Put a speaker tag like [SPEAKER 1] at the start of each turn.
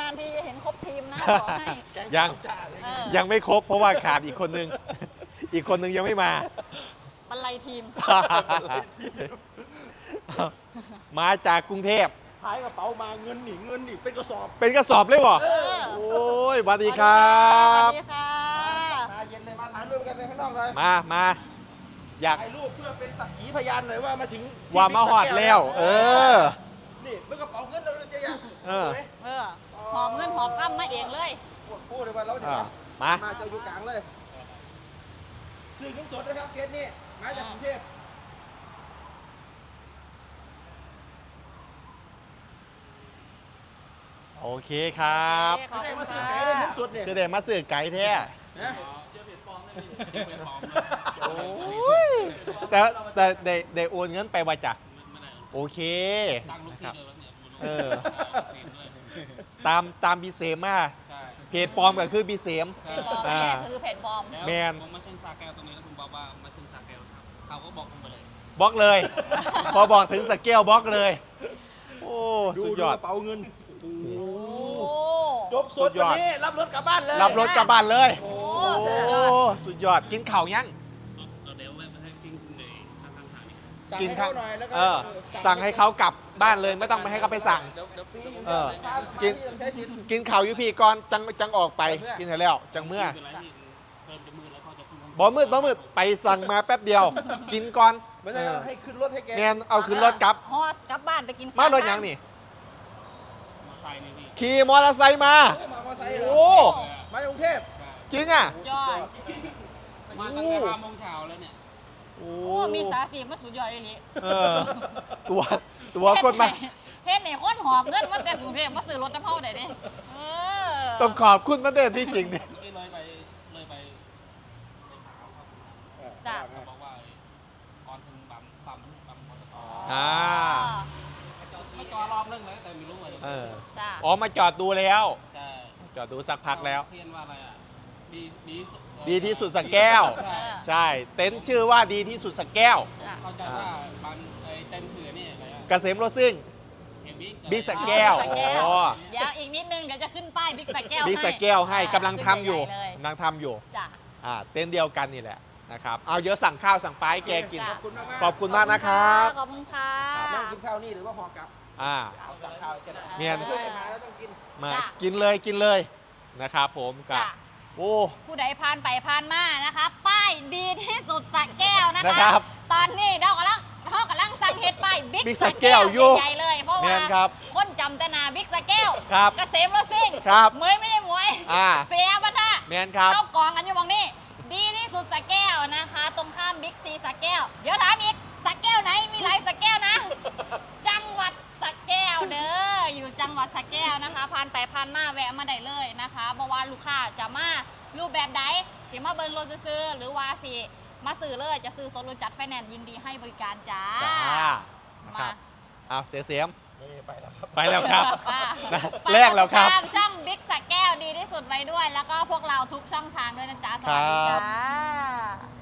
[SPEAKER 1] านๆทีจะเห็นครบทีมนะขอให้
[SPEAKER 2] ยังไม่ครบเพราะว่าขาดอีกคนนึง อีกคนนึงยังไม่มา
[SPEAKER 1] บรรลัยทีม
[SPEAKER 2] มาจากกรุงเทพ
[SPEAKER 3] หายกระเป๋ามาเงินหนีเป็นกระสอบ
[SPEAKER 2] เป็นกระสอบเลยเหรอ
[SPEAKER 1] เออ
[SPEAKER 2] โอ้ยสวัสดีครับ
[SPEAKER 1] สวัสดีค่ะ
[SPEAKER 3] มาเย็นเลยมาถ่ายรูปกันในข้างนอกเลย
[SPEAKER 2] มาอยาก
[SPEAKER 3] ถ่ายรูปเพื่อเป็นสักขีพยานหน่อยว่ามาถึง
[SPEAKER 2] ว่ามาหอดแล้ว เออ
[SPEAKER 3] นี่เมื่อกระเป๋าเงินเราเลยเสียยัง
[SPEAKER 2] เออ
[SPEAKER 1] เออหอบเงินหอบข้ามมาเองเลย
[SPEAKER 3] พูดเลยว่าเราเดี๋ยว
[SPEAKER 2] มา
[SPEAKER 3] มาจะอยู่กลางเลยสื่อเงินสดนะครับเคสนี้มาจากกรุงเทพ
[SPEAKER 2] โอเคครับ
[SPEAKER 1] ขอบ
[SPEAKER 3] ได้
[SPEAKER 1] คุณ
[SPEAKER 3] มาซื้อ
[SPEAKER 1] ค่ะ
[SPEAKER 3] ไก่ได้เงินสดเนี่ย
[SPEAKER 2] คือได้มาสื่อไก่แท้
[SPEAKER 3] นะ
[SPEAKER 2] โอ้ยแต่ได้โอนเงินไปว่าจ้ะโอเค
[SPEAKER 4] ตั้งลูกที่เลยเนี่ย
[SPEAKER 2] เออ ตามบีเซมมา
[SPEAKER 4] ใช่
[SPEAKER 2] เพจปลอมก็คือบีเซม
[SPEAKER 1] เพจบอมแม่คือเพจบอม
[SPEAKER 4] แล้ว
[SPEAKER 2] แมน
[SPEAKER 4] ผมมาขึ้นสาแก้วตรงนี้แล้วผมบอกว่ามาขึ้นสาแก้วครับเขาก็บอกผมไปเลย
[SPEAKER 2] บล็อกเลย พอบอกถึงสเกลบล็อกเลย โอ้สุดยอด
[SPEAKER 3] กระเป๋าเงิน
[SPEAKER 1] โอ้
[SPEAKER 3] จบสดวันนี้รับรถกลับบ้านเลย
[SPEAKER 2] รับรถกลับบ้านเลย
[SPEAKER 1] โห
[SPEAKER 2] โอ้สุดยอดกินข่าวยัง
[SPEAKER 4] เราเดี๋ยวแวะมาให้กินในทางทางนี้
[SPEAKER 3] สั่ง
[SPEAKER 2] กิน
[SPEAKER 3] ให้
[SPEAKER 2] ข้า
[SPEAKER 3] เขาหน่อยแล้วก็
[SPEAKER 2] สั่งให้เขากลับบ้านเลยไม่ต้องไปให้เขาไปสั่ง
[SPEAKER 4] เดี๋ยวฟรี
[SPEAKER 2] เออ
[SPEAKER 3] กินใช้สิทธิ์
[SPEAKER 2] กินข่าวอยู่พี่ก่อนจังออกไป กินให้แล้วจังเมื่อ
[SPEAKER 4] เป็นไรที่เพิ่มจะมือแล้วเขาจะขึ้น
[SPEAKER 2] บ่มืดไปสั่งมาแป๊บเดียว กินก่อน
[SPEAKER 3] ไม่ใช่ให้ขึ้นรถให้แก
[SPEAKER 2] แนนเอาขึ้นรถกลับ
[SPEAKER 1] ฮอสกลับบ้านไปกิน
[SPEAKER 2] มารถยังนี่
[SPEAKER 4] มาใส่นี่พี่
[SPEAKER 2] ขี่มอเตอร์ไซค์มา
[SPEAKER 3] มามอไซค์เหรอ
[SPEAKER 2] โอ้
[SPEAKER 3] มาจากกรุงเทพ
[SPEAKER 2] จริงอ่ะ
[SPEAKER 1] ยอด
[SPEAKER 4] มาตั้งแต่5 โมงเช้าแล้วเนี่ย
[SPEAKER 2] โอ้
[SPEAKER 1] โอ้มีสาสีมันสุดยอดเลยนี่
[SPEAKER 2] เออตัวคนมา
[SPEAKER 1] เฮ็ดไหนคนหอบเงินมาแต่กรุงเทพมาซื้อรถน้ำเฮาได้ดิเออ
[SPEAKER 2] ต้องขอบคุณมันเด่นที่จริงเนี่ย
[SPEAKER 4] เมื่อกี้เลยไปหาเขา
[SPEAKER 1] จ้ะ
[SPEAKER 4] เขาบอกว่าก่อนถึงปั๊มมอเตอร์ไซค์
[SPEAKER 2] อ่า
[SPEAKER 4] ไม่จอรอบนึงเลยแต่ไม่รู้ว่า
[SPEAKER 2] เออ
[SPEAKER 1] จ้ะ
[SPEAKER 2] อ๋อมาจอดดูแล้ว
[SPEAKER 4] แต่
[SPEAKER 2] จอดดูสักพักแล้ว
[SPEAKER 4] เพียนว่าอะไรอ่ะดี
[SPEAKER 2] ดีที่สุดสักแก้ว
[SPEAKER 4] ใช่
[SPEAKER 2] ใช่ เต็นท์ชื่อว่าดีที่สุดสักแก้ว
[SPEAKER 1] จ้ะ
[SPEAKER 4] เข้าใจว่าบางไอ้เต็นท์เสือนี่อะไรอ่ะ
[SPEAKER 2] เกษมรถซิ่ง
[SPEAKER 4] เห็นบิ๊ก
[SPEAKER 2] บิ๊กสแก้ว
[SPEAKER 1] บิ๊กสแก้ว
[SPEAKER 2] อ๋อ
[SPEAKER 1] เดี๋ยวอีกนิดนึงเดี๋ยวจะขึ้นป้ายบิ๊กสแก้ว
[SPEAKER 2] บิ๊กสแก้วให้กำลังทำอยู่
[SPEAKER 1] ใหญ่ๆเลย
[SPEAKER 2] กำลังทำอยู่
[SPEAKER 1] จ้ะ
[SPEAKER 2] เต็นท์เดียวกันนี่แหละนะครับ เอาเยอะสั่งข้าวสั่งปลาให้แกกิน
[SPEAKER 1] จ้ะ
[SPEAKER 2] ขอบคุณมากนะครับ
[SPEAKER 1] ขอบคุณค่ะ
[SPEAKER 3] นั่งกินข้าวนี่หรือว่าพอกลับ เอาสั่งข้าวกัน
[SPEAKER 2] เมียน
[SPEAKER 3] เพื่อนมาแล้วต้องกิน
[SPEAKER 2] มา
[SPEAKER 1] จ้ะ
[SPEAKER 2] กินเลยนะครับผมกับ
[SPEAKER 1] จ้ะ
[SPEAKER 2] โอ้
[SPEAKER 1] ผู้ใดผ่านไปผ่านมานะคะ ป้ายดีที่สุดสระแก้วนะ
[SPEAKER 2] นะ
[SPEAKER 1] คะ
[SPEAKER 2] ครับ
[SPEAKER 1] ตอนนี้เรากำลังสั่งเฮ็ดป้ายบิ๊ก
[SPEAKER 2] Big
[SPEAKER 1] ส
[SPEAKER 2] ส
[SPEAKER 1] ระ
[SPEAKER 2] แก้วอยู่
[SPEAKER 1] ใหญ่ๆเลยเพราะ
[SPEAKER 2] แม่
[SPEAKER 1] ว่าน
[SPEAKER 2] ครับ
[SPEAKER 1] คนจำแต่หนาบิ๊กสระแก้ว
[SPEAKER 2] ครับ
[SPEAKER 1] เกษมรถซิ่ง
[SPEAKER 2] ครับ
[SPEAKER 1] เหมยไม่ใช่หมวย เสียปะท่า
[SPEAKER 2] แมนครับ
[SPEAKER 1] เข้ากองกันอยู่มองนี่ดีที่สุดสระแก้วนะคะ ตรงข้ามบิ๊กซีสระแก้ว เดี๋ยวถามอีกสระแก้วไหนมีหลายสระแก้วนะ จังหวัดสระแก้วเด้ออยู่จังหวัดสระแก้วนะคะผ่านไปผ่านมาแวะมาได้เลยนะคะเพราะว่าลูกค้าจะมารูปแบบใดที่มาเบิ่งรถซื้อๆหรือว่าสิมาซื้อเลยจะซื้อสดหรือจัดไฟแนนซ์ยินดีให้บริการจ้า
[SPEAKER 2] จ้านะค
[SPEAKER 1] มา
[SPEAKER 2] รับเอาเสียม
[SPEAKER 3] นี่ไปแล้วครับ
[SPEAKER 2] ไปแล้วครับ
[SPEAKER 1] ค่ะ
[SPEAKER 2] นะ
[SPEAKER 1] ไป
[SPEAKER 2] แรกแล้วครับ
[SPEAKER 1] ติดตามช่องบิ๊กสระแก้วดีที่สุดไว้ด้วย แล้วก็พวกเราทุกช่องทางด้วยนะจ๊ะสวัสดี
[SPEAKER 2] ครั
[SPEAKER 1] จ้
[SPEAKER 2] บ
[SPEAKER 1] า